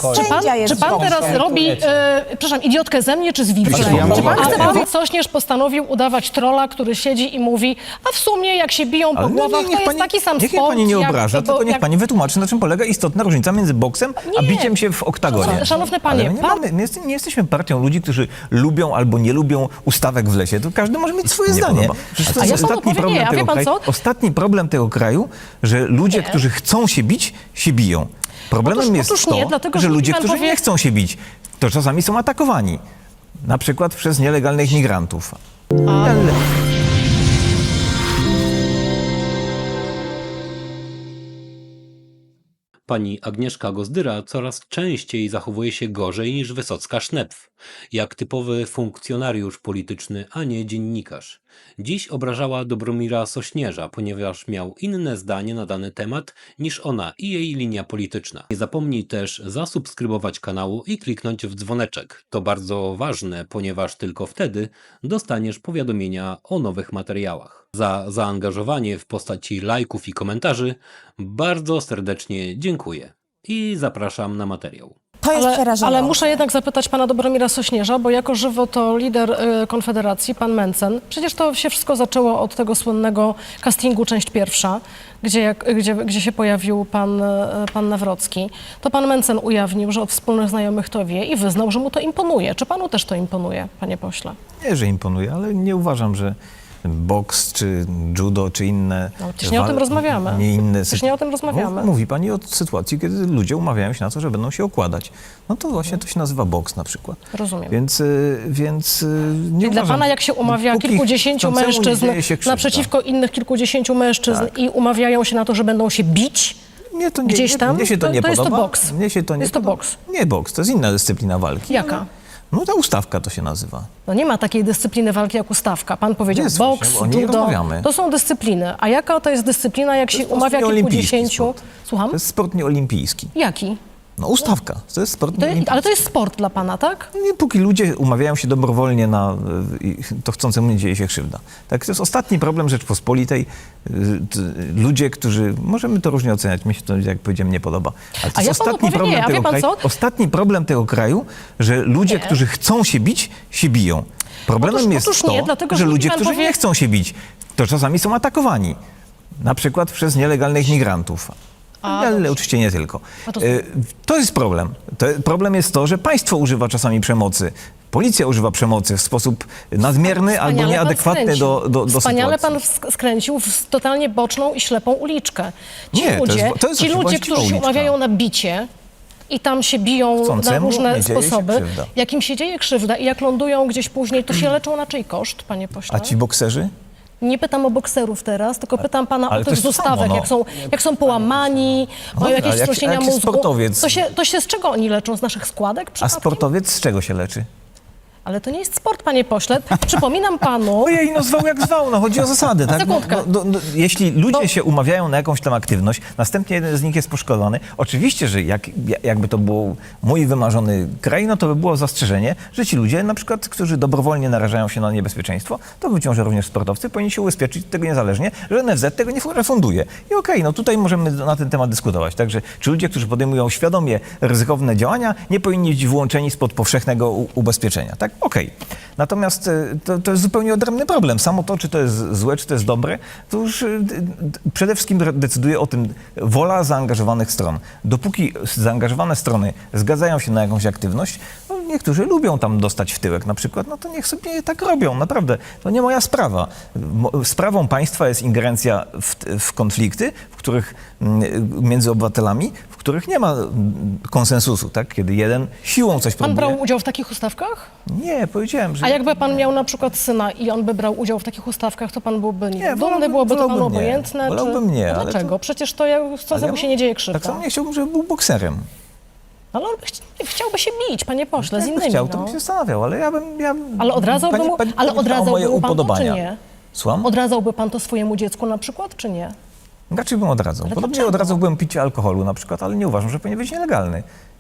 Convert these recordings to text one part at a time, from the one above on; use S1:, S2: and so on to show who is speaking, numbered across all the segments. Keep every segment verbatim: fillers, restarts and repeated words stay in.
S1: chodzi.
S2: Czy pan,
S3: Sędzia jest
S2: czy pan
S3: boksem.
S2: teraz robi, e, przepraszam, idiotkę ze mnie czy z widza?
S1: Znaczy, ja
S2: czy pan
S1: mogę-
S2: chce powiedzieć, Sośnierz postanowił udawać trolla, który siedzi i mówi, a w sumie jak się biją po
S1: Ale no
S2: głowach,
S1: nie,
S2: to
S1: niech
S2: jest
S1: pani,
S2: taki sam
S1: niech mnie
S2: sport.
S1: pani nie
S2: jak-
S1: obraża,
S2: bo
S1: tylko niech
S2: jak-
S1: pani wytłumaczy, na czym polega istotna różnica między boksem a
S2: Nie.
S1: biciem się w oktagonie.
S2: Szanowny panie,
S1: Ale my nie,
S2: pan-
S1: mamy, my jest, nie jesteśmy partią ludzi, którzy lubią albo nie lubią ustawek w lesie. To każdy może mieć swoje
S4: Nie
S1: zdanie.
S4: podoba.
S1: Przecież to
S2: A
S1: jest
S2: ja panu
S1: ostatni
S2: powiem
S1: problem
S2: nie, a wie
S1: tego
S2: pan
S1: kraju.
S2: co?
S1: Ostatni problem tego kraju, że ludzie, którzy chcą się bić, się biją. Problemem
S2: Otóż-
S1: jest
S2: otóż
S1: to,
S2: nie, dlatego,
S1: że
S2: że
S1: ludzie,
S2: pan
S1: którzy
S2: powie-
S1: nie chcą się bić, to czasami są atakowani. Na przykład przez nielegalnych migrantów. Ale...
S5: Pani Agnieszka Gozdyra coraz częściej zachowuje się gorzej niż Wysocka-Sznepf, jak typowy funkcjonariusz polityczny, a nie dziennikarz. Dziś obrażała Dobromira Sośnierza, ponieważ miał inne zdanie na dany temat niż ona i jej linia polityczna. Nie zapomnij też zasubskrybować kanału i kliknąć w dzwoneczek. To bardzo ważne, ponieważ tylko wtedy dostaniesz powiadomienia o nowych materiałach. Za zaangażowanie w postaci lajków i komentarzy bardzo serdecznie dziękuję i zapraszam na materiał.
S3: To jest
S2: Ale,
S3: przerażające.
S2: ale muszę jednak zapytać pana Dobromira Sośnierza, bo jako żywo to lider y, Konfederacji, pan Mencen. Przecież to się wszystko zaczęło od tego słynnego castingu część pierwsza, gdzie, jak, gdzie, gdzie się pojawił pan, y, pan Nawrocki. To pan Mencen ujawnił, że od wspólnych znajomych to wie i wyznał, że mu to imponuje. Czy panu też to imponuje, panie pośle?
S1: Nie, że imponuje, ale nie uważam, że boks, czy judo, czy inne...
S2: No, przecież nie o tym
S1: wal-
S2: rozmawiamy.
S1: Nie inne
S2: Przecież nie o tym rozmawiamy.
S1: Mów- Mówi pani o sytuacji, kiedy ludzie umawiają się na to, że będą się okładać. No to właśnie to się nazywa boks na przykład.
S2: Rozumiem.
S1: Więc, y, więc y, nie
S2: Czyli dla
S1: uważam,
S2: pana jak się umawia
S1: dopóki
S2: kilkudziesięciu
S1: chcącemu nie
S2: mężczyzn
S1: dzieje się krzywda.
S2: naprzeciwko innych kilkudziesięciu mężczyzn
S1: Tak.
S2: i umawiają się na to, że będą się bić,
S1: Mnie to nie,
S2: gdzieś
S1: nie-
S2: tam,
S1: mnie się to,
S2: to-
S1: nie
S2: to jest to
S1: podoba.
S2: boks.
S1: Mnie się to nie
S2: Jest to
S1: podoba.
S2: boks.
S1: Nie boks, to jest inna dyscyplina walki.
S2: Jaka?
S1: No ta ustawka to się nazywa.
S2: No nie ma takiej dyscypliny walki jak ustawka. Pan powiedział
S1: Jest
S2: boks,
S1: właśnie, o niej
S2: judo.
S1: rozmawiamy.
S2: To są dyscypliny. A jaka to jest dyscyplina, jak się
S1: jest
S2: umawia
S1: sport nieolimpijski
S2: kilkudziesięciu...
S1: sport.
S2: Słucham?
S1: To jest sport nieolimpijski.
S2: Jaki?
S1: No ustawka, to jest sport
S2: To,
S1: nieolimpijski.
S2: ale to jest sport dla pana, tak?
S1: Nie, póki ludzie umawiają się dobrowolnie na, y, y, to chcącemu nie dzieje się krzywda. Tak, to jest ostatni problem Rzeczpospolitej. Y, t- Ludzie, którzy, możemy to różnie oceniać, mi się to, jak powiedziałem, nie podoba. Ale to
S2: A
S1: jest
S2: ja panu
S1: ostatni
S2: powiem
S1: problem
S2: nie, a wie
S1: tego
S2: pan
S1: kraju.
S2: co?
S1: Ostatni problem tego kraju, że ludzie, którzy chcą się bić, się biją. Problemem
S2: Otóż-
S1: jest
S2: otóż
S1: to,
S2: nie, dlatego,
S1: że
S2: że
S1: ludzie,
S2: pan
S1: którzy
S2: powie-
S1: nie chcą się bić, to czasami są atakowani. Na przykład przez nielegalnych migrantów.
S2: A,
S1: Ale
S2: dobrze.
S1: oczywiście nie tylko.
S2: A to-
S1: Y, To jest problem. To, problem jest to, że państwo używa czasami przemocy. Policja używa przemocy w sposób nadmierny albo
S2: Wspaniale pan
S1: nieadekwatny
S2: skręcił.
S1: do, do, do
S2: Wspaniale
S1: sytuacji.
S2: pan sk- skręcił w totalnie boczną i ślepą uliczkę. Ci
S1: Nie, to
S2: ludzie,
S1: jest- to jest
S2: ci ludzie
S1: właściwa
S2: którzy się
S1: uliczka.
S2: umawiają na bicie i tam się biją na
S1: Chcącemu
S2: różne
S1: nie dzieje się
S2: sposoby,
S1: krzywda.
S2: jak im się dzieje krzywda i jak lądują gdzieś później, to się leczą na czyj koszt, panie pośle?
S1: A ci bokserzy?
S2: Nie pytam o bokserów teraz, tylko pytam pana
S1: ale
S2: o
S1: to
S2: tych
S1: jest to
S2: zostawek,
S1: samo, no.
S2: jak, są, jak są połamani,
S1: No,
S2: mają
S1: ale
S2: jakieś
S1: jak-
S2: wstrząsienia
S1: jak jest
S2: mózgu.
S1: sportowiec-
S2: To się, to się z czego oni leczą? Z naszych składek
S1: A
S2: przypadkiem?
S1: sportowiec z czego się leczy?
S2: Ale to nie jest sport, panie pośle. Przypominam panu...
S1: Ojej, no zwał jak zwał, no chodzi o zasady, tak? No,
S2: Sekundkę.
S1: no, no, jeśli ludzie
S2: Bo-
S1: się umawiają na jakąś tam aktywność, następnie jeden z nich jest poszkodowany, oczywiście, że jak, jakby to był mój wymarzony kraj, no to by było zastrzeżenie, że ci ludzie, na przykład, którzy dobrowolnie narażają się na niebezpieczeństwo, to być może również sportowcy, powinni się ubezpieczyć tego niezależnie, że N F Z tego nie refunduje. I okej, no tutaj możemy na ten temat dyskutować. Także czy ludzie, którzy podejmują świadomie ryzykowne działania, nie powinni być wyłączeni spod powszechnego u- ubezpieczenia, tak? Okej. Natomiast y, to, to jest zupełnie odrębny problem. Samo to, czy to jest złe, czy to jest dobre, to już y, d- d- przede wszystkim re- decyduje o tym wola zaangażowanych stron. Dopóki zaangażowane strony zgadzają się na jakąś aktywność, no niektórzy lubią tam dostać w tyłek na przykład, no to niech sobie tak robią, naprawdę. To nie moja sprawa. Mo- Sprawą państwa jest ingerencja w, w konflikty, w których mm, między obywatelami, w których nie ma mm, konsensusu, tak? Kiedy jeden siłą coś
S2: Pan
S1: próbuje.
S2: brał udział w takich ustawkach?
S1: Nie, powiedziałem, że...
S2: A jakby pan miał na przykład syna i on by brał udział w takich ustawkach, to pan byłby nie,
S1: Nie,
S2: wiem, dumny,
S1: wolałbym-
S2: byłoby to panu
S1: wolałbym nie.
S2: obojętne?
S1: Wolałbym nie,
S2: A
S1: ale
S2: dlaczego?
S1: to-
S2: Przecież to jak chcącemu
S1: Ale
S2: się nie dzieje krzywda.
S1: Tak samo nie chciałbym, żeby był bokserem.
S2: Ale on by chci- chciałby się bić, panie pośle, z
S1: Jakby
S2: innymi.
S1: chciał, to
S2: no.
S1: bym się zastanawiał, ale ja bym... Ja,
S2: Ale odradzałby
S1: pani-
S2: mu,
S1: pani-
S2: ale
S1: pani pyta o moje
S2: odradzałby mu pan to, czy
S1: upodobania.
S2: nie?
S1: Słucham?
S2: Odradzałby pan to swojemu dziecku na przykład, czy nie?
S1: Raczej bym odradzał.
S2: Ale
S1: Podobnie
S2: dlaczego?
S1: odradzałbym picie alkoholu na przykład, ale nie uważam, że powinien być nielegalny.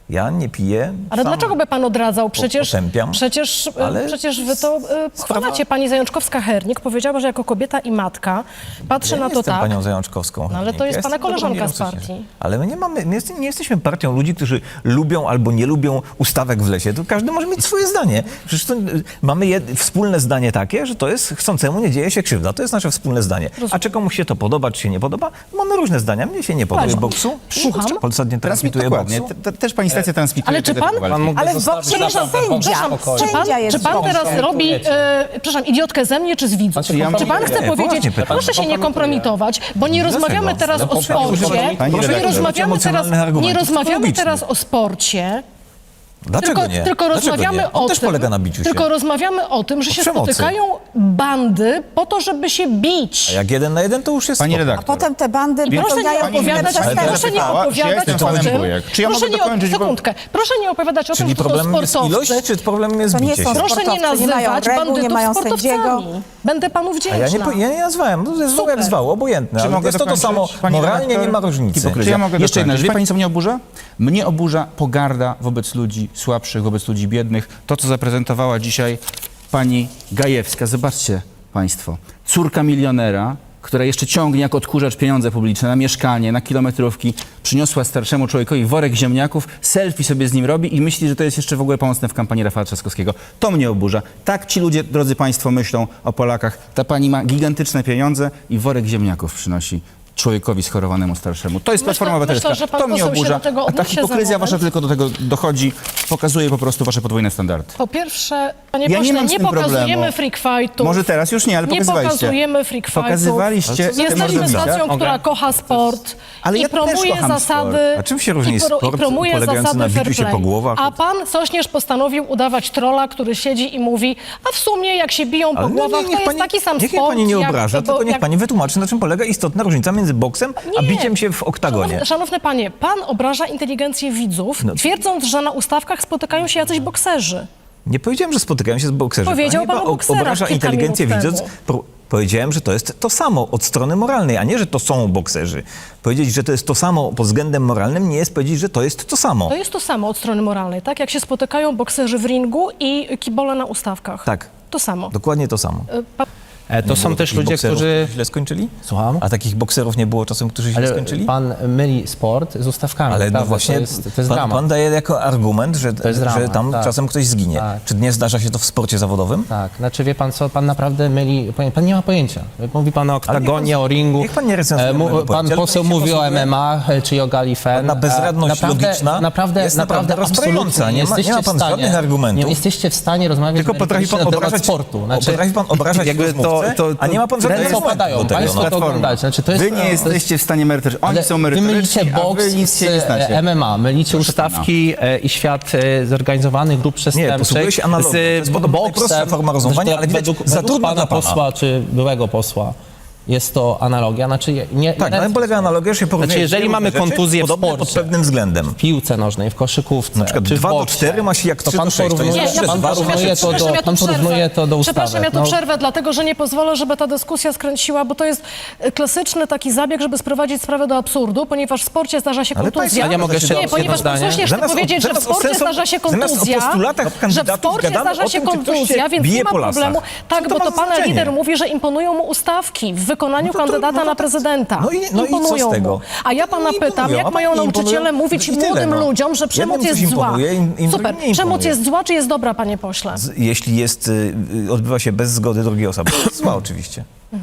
S1: Ja nie piję.
S2: Ale
S1: sam
S2: dlaczego by pan odradzał? Przecież,
S1: potępiam,
S2: przecież,
S1: ale
S2: przecież wy to e, pochwalacie. Pani Zajączkowska-Hernik powiedziała, że jako kobieta i matka patrzy
S1: Ja
S2: na
S1: nie
S2: to
S1: jestem
S2: tak.
S1: panią Zajączkowską.
S2: No, ale to
S1: Ja
S2: jest
S1: jestem
S2: pana koleżanka
S1: Dobromirą
S2: z partii.
S1: Sośnierzem. Ale my nie mamy, my jest, nie jesteśmy partią ludzi, którzy lubią albo nie lubią ustawek w lesie. To każdy może mieć swoje zdanie. Przecież to, y, mamy jed, wspólne zdanie takie, że to jest chcącemu nie dzieje się krzywda. To jest nasze wspólne zdanie. A czy komuś się to podoba, czy się nie podoba? Mamy różne zdania. Mnie się nie podoba.
S2: Właśnie.
S1: Boksu?
S2: Słucham?
S1: Polsat nie transmituje
S3: Dokładnie.
S1: boksu.
S3: Te- Też pani stacja transmituje.
S2: Ale czy
S3: te
S2: pan-
S3: walki.
S4: Pan mógłby
S6: Ale w
S4: zostawić
S6: boksie jest
S4: naprawdę
S6: sędzia.
S4: w spokoju.
S2: Czy pan,
S6: Sędzia jest
S2: czy pan
S6: w boksie.
S2: teraz robi, e, przepraszam, idiotkę ze mnie czy z widzów?
S4: Znaczy,
S3: ja
S2: czy pan
S3: mówię-
S2: chce
S1: Nie,
S2: powiedzieć,
S1: poważnie pytam.
S2: proszę się nie kompromitować, bo nie
S1: Dlaczego?
S2: rozmawiamy teraz
S1: No,
S2: o
S1: proszę,
S2: sporcie,
S3: pani
S2: nie
S3: redaktor.
S2: rozmawiamy teraz,
S1: Emocjonalnych
S2: nie
S1: argumentów,
S2: rozmawiamy
S1: logicznych.
S2: teraz o sporcie,
S1: Dlaczego
S2: tylko,
S1: nie?
S2: tylko
S1: Dlaczego
S2: rozmawiamy
S1: nie? On
S2: o
S1: też
S2: tym,
S1: polega na biciu się.
S2: tylko rozmawiamy o tym, że
S1: O
S2: się
S1: przemocy.
S2: spotykają bandy po to, żeby się bić.
S1: A jak jeden na jeden, to już jest
S3: Pani
S1: spoko.
S3: redaktor.
S6: Potem te bandy
S2: I proszę nie
S6: popełniają
S2: opowiadać,
S6: inne
S3: Ale
S2: proszę
S6: przestępstwa.
S2: nie
S3: zapytała, czy ja
S2: opowiadać
S3: jestem
S2: o
S3: panem
S2: tym,
S3: Bujek. Czy ja
S2: proszę
S3: mogę
S2: nie,
S3: dokończyć, bo-
S2: sekundkę, proszę nie opowiadać o tym,
S1: Czyli
S2: że to są
S1: problemem jest
S2: sportowcy.
S1: ilość, czy problemem jest
S6: To nie
S1: bicie
S6: są
S1: się?
S2: Proszę nie
S6: sportowcy, nie mają
S2: nazywać
S6: reguł, nie
S2: bandytów
S6: mają
S2: sportowcami.
S6: sędziego.
S2: Będę panu
S1: A
S2: wdzięczna.
S1: ja nie, po- ja nie nazwałem, to jest zwał
S2: Super.
S1: jak zwał, obojętne.
S3: Czy
S1: Ale
S3: mogę
S1: jest to to
S3: dokończyć,
S1: samo,
S3: pani
S1: moralnie
S3: redaktor?
S1: nie ma różnicy.
S3: Czy ja mogę Jeszcze jedna dokończyć? rzecz. Wie pani, co mnie oburza? Mnie oburza pogarda wobec ludzi słabszych, wobec ludzi biednych. To, co zaprezentowała dzisiaj pani Gajewska. Zobaczcie państwo. Córka milionera, która jeszcze ciągnie jak odkurzacz pieniądze publiczne na mieszkanie, na kilometrówki, przyniosła starszemu człowiekowi worek ziemniaków, selfie sobie z nim robi i myśli, że to jest jeszcze w ogóle pomocne w kampanii Rafała Trzaskowskiego. To mnie oburza. Tak ci ludzie, drodzy państwo, myślą o Polakach. Ta pani ma gigantyczne pieniądze i worek ziemniaków przynosi człowiekowi schorowanemu starszemu. To jest
S2: Myślę-
S3: Platforma Obywatelska.
S2: myślę, że pan
S3: To mnie
S2: poseł się
S3: oburza.
S2: do tego
S3: A ta
S2: odniesie za
S3: hipokryzja
S2: moment.
S3: wasza tylko do tego dochodzi, pokazuje po prostu wasze podwójne standardy.
S2: Po pierwsze, panie
S3: Ja nie
S2: pośle,
S3: mam z
S2: nie
S3: tym
S2: pokazujemy
S3: problemu.
S2: freak fightów.
S3: Może teraz już nie, ale
S2: Nie
S3: pokazywaliście.
S2: pokazujemy freak fightów.
S3: Pokazywaliście te
S2: Jesteśmy
S3: mordowiska.
S2: stacją, która
S4: Mogę?
S2: kocha sport
S3: Ale
S2: i
S3: ja też
S2: promuje
S3: kocham
S2: zasady.
S3: sport.
S1: A czym się różni
S2: i pro-
S1: sport
S2: i promuje
S1: polegający
S2: zasady
S1: na biciu
S2: fair
S1: się
S2: play.
S1: po głowach
S2: A
S1: od-
S2: pan Sośnierz postanowił udawać trolla, który siedzi i mówi, a w sumie jak się biją po
S1: Ale no
S2: głowach,
S1: nie,
S2: to
S1: niech
S2: jest
S1: pani,
S2: taki sam
S1: niech mnie
S2: sport.
S1: pani nie
S2: jak,
S1: obraża,
S2: bo-
S1: tylko niech
S2: jak-
S1: pani wytłumaczy, na czym polega istotna różnica między boksem a
S2: Nie.
S1: biciem się w oktagonie.
S2: Szanowny, szanowny panie, pan obraża inteligencję widzów,
S1: No.
S2: twierdząc, że na ustawkach spotykają się jacyś bokserzy.
S1: Nie powiedziałem, że spotykają się z bokserzy.
S2: Powiedział
S1: Pani
S2: pan o
S1: chyba
S2: bokserach
S1: obraża
S2: kilka
S1: inteligencję
S2: minut
S1: widząc.
S2: temu.
S1: Pro- Powiedziałem, że to jest to samo od strony moralnej, a nie, że to są bokserzy. Powiedzieć, że to jest to samo pod względem moralnym, nie jest powiedzieć, że to jest to samo.
S2: To jest to samo od strony moralnej, tak? Jak się spotykają bokserzy w ringu i kibole na ustawkach.
S1: Tak.
S2: To samo.
S1: Dokładnie to samo.
S2: Y, pa-
S4: E, To
S1: Nie
S4: są
S1: było
S4: też
S1: takich
S4: ludzie,
S1: bokserów,
S4: którzy...
S1: źle skończyli?
S4: Słucham?
S1: A takich bokserów nie było czasem, którzy źle
S4: Ale
S1: skończyli?
S4: pan myli sport z ustawkami.
S1: Ale no
S4: prawda?
S1: właśnie
S4: To jest, to jest
S1: pan,
S4: dramat.
S1: pan daje jako argument, że,
S4: jest
S1: że
S4: dramat,
S1: tam
S4: tak.
S1: czasem ktoś zginie.
S4: Tak.
S1: Czy nie zdarza się to w sporcie zawodowym?
S4: Tak, znaczy wie pan co, pan naprawdę myli, pan, pan nie ma pojęcia. Mówi pan o oktagonie,
S1: pan-
S4: o ringu.
S1: niech pan nie recenzuje
S4: E, mu-
S1: mojego
S4: Pan
S1: pojęcia, ale
S4: poseł
S1: pan się
S4: mówi o
S1: posługuje-
S4: M M A e, czy o Gali Fen.
S1: Pana bezradność
S4: E, naprawdę,
S1: logiczna
S4: naprawdę,
S1: jest
S4: naprawdę,
S1: naprawdę rozbrajająca.
S4: absolutnie
S1: Nie ma- nie
S4: jesteście
S1: ma pan
S4: w stanie,
S1: żadnych argumentów.
S4: Nie jesteście w stanie rozmawiać
S1: Tylko potrafi pan
S4: merytorycznie na temat
S1: obrażać
S4: sportu. Znaczy,
S1: potrafi pan obrażać
S3: jakby to-
S1: rozmówcę,
S3: to-
S1: a nie ma pan żadnych
S4: ręce
S1: argumentów
S4: opadają,
S1: do tego.
S4: państwo
S1: No.
S4: to oglądacie. Znaczy, to jest,
S3: Wy nie
S4: to jest-
S3: jesteście w stanie merytorycznym. Oni
S4: Ale
S3: są
S4: wy
S3: merytoryczni,
S4: mylicie
S3: a
S4: boks
S3: wy nic się nie
S4: z e,
S3: znacie.
S4: M M A, mylicie
S3: Proszę
S4: ustawki e, i świat e, zorganizowanych grup przestępczych
S1: posługuję się analogią. To jest
S4: z
S1: podobno najprostsza
S4: boksem.
S1: forma rozumowania,
S4: Zresztą
S1: ale widać,
S4: według,
S1: za
S4: według
S1: trudno
S4: pana
S1: dla pana.
S4: posła czy byłego posła jest to analogia. Znaczy, nie, nie,
S1: Tak,
S4: nie
S1: na tym polega analogia, że się porównuje
S4: Znaczy, jeżeli
S1: dwie
S4: mamy
S1: różne rzeczy,
S4: kontuzję w
S1: podobne pod
S4: sporcie,
S1: pewnym względem.
S4: w piłce nożnej, w koszykówce,
S1: Na przykład
S4: czy w
S1: dwa do
S4: boksie,
S1: czterech ma się jak
S4: to
S1: trzy
S4: pan
S1: do sześć, to
S4: porównuje,
S1: jest
S2: Nie, ja
S4: pan
S1: dwa
S2: przepraszam,
S4: porównuje
S2: ja,
S4: to do,
S2: przepraszam, ja tu
S4: pan
S2: przerwę.
S4: porównuje to do ustawy.
S2: Przepraszam, ja tu
S4: No,
S2: przerwę, dlatego że nie pozwolę, żeby ta dyskusja skręciła, bo to jest e, klasyczny taki zabieg, żeby sprowadzić sprawę do absurdu, ponieważ w sporcie zdarza się
S1: Ale
S2: kontuzja.
S1: państwo-
S4: A ja mogę jeszcze
S2: Nie,
S4: jedno
S2: ponieważ pan
S4: zdanie?
S2: Sośnierz chce
S1: Zamiast o-
S2: powiedzieć, że w
S1: zamiast o
S2: sporcie
S1: sensu-
S2: zdarza się
S1: zamiast o
S2: kontuzja,
S1: postulatach
S2: że w
S1: kandydatów
S2: sporcie
S1: gadamy
S2: zdarza
S1: o
S2: się
S1: tym, czy ktoś się
S2: kontuzja, więc
S1: bije
S2: nie ma
S1: po lasach.
S2: problemu.
S1: Co
S2: Tak,
S1: to
S2: bo
S1: ma
S2: to
S1: za
S2: pana
S1: znaczenie?
S2: lider mówi, że imponują mu ustawki w wykonaniu
S1: No to to-
S2: kandydata
S1: no to
S2: na
S1: tak-
S2: prezydenta.
S1: no i- no i co z
S2: imponują
S1: tego?
S2: mu. A ja pana
S1: Nie
S2: pytam,
S1: imponują,
S2: jak
S1: a
S2: mają
S1: pani
S2: nauczyciele
S1: imponują
S2: mówić
S1: i tyle,
S2: młodym
S1: no.
S2: ludziom, że przemoc
S1: Jednym
S2: jest
S1: coś
S2: zła?
S1: imponuje, im- im
S2: Super.
S1: drugim nie
S2: Przemoc
S1: imponuje.
S2: jest zła, czy jest dobra, panie pośle?
S1: Z- Jeśli jest, y, y, odbywa się bez zgody drugiej osoby. To jest zła oczywiście.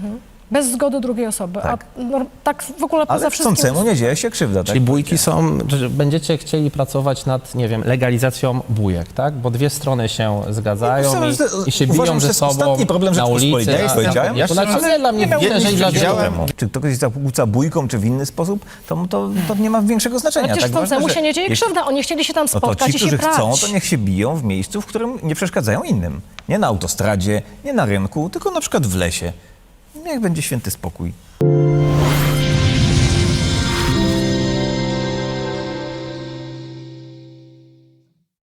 S2: Bez zgody drugiej osoby.
S1: Tak.
S2: A no, tak w ogóle poza
S1: Ale
S2: wszystkim...
S1: chcącemu nie dzieje się krzywda. Tak?
S4: Czyli bójki są, że będziecie chcieli pracować nad, nie wiem, legalizacją bójek, tak? Bo dwie strony się zgadzają
S1: Uważam,
S4: i,
S1: że to-
S4: i się
S1: uważam,
S4: biją
S1: że
S4: ze
S1: to jest
S4: sobą
S1: ostatni problem
S4: na ulicy.
S1: Rzeczypospolitej, jak
S4: a-
S1: powiedziałem.
S4: To znaczy,
S3: Ale
S4: nie dla mnie,
S1: miał
S4: myślę, że i dla wielu.
S3: widziałem.
S1: Czy ktoś się zakłóca bójką, czy w inny sposób, to, to, to nie ma większego znaczenia.
S2: Ale przecież
S1: tak ważne,
S2: chcącemu
S1: że
S2: się nie dzieje
S1: jeśli-
S2: krzywda. Oni chcieli się tam
S1: No to
S2: spotkać
S1: ci,
S2: i się
S1: którzy
S2: prać.
S1: chcą, to niech się biją w miejscu, w którym nie przeszkadzają innym. Nie na autostradzie, nie na rynku, tylko na przykład w lesie. Niech będzie święty spokój.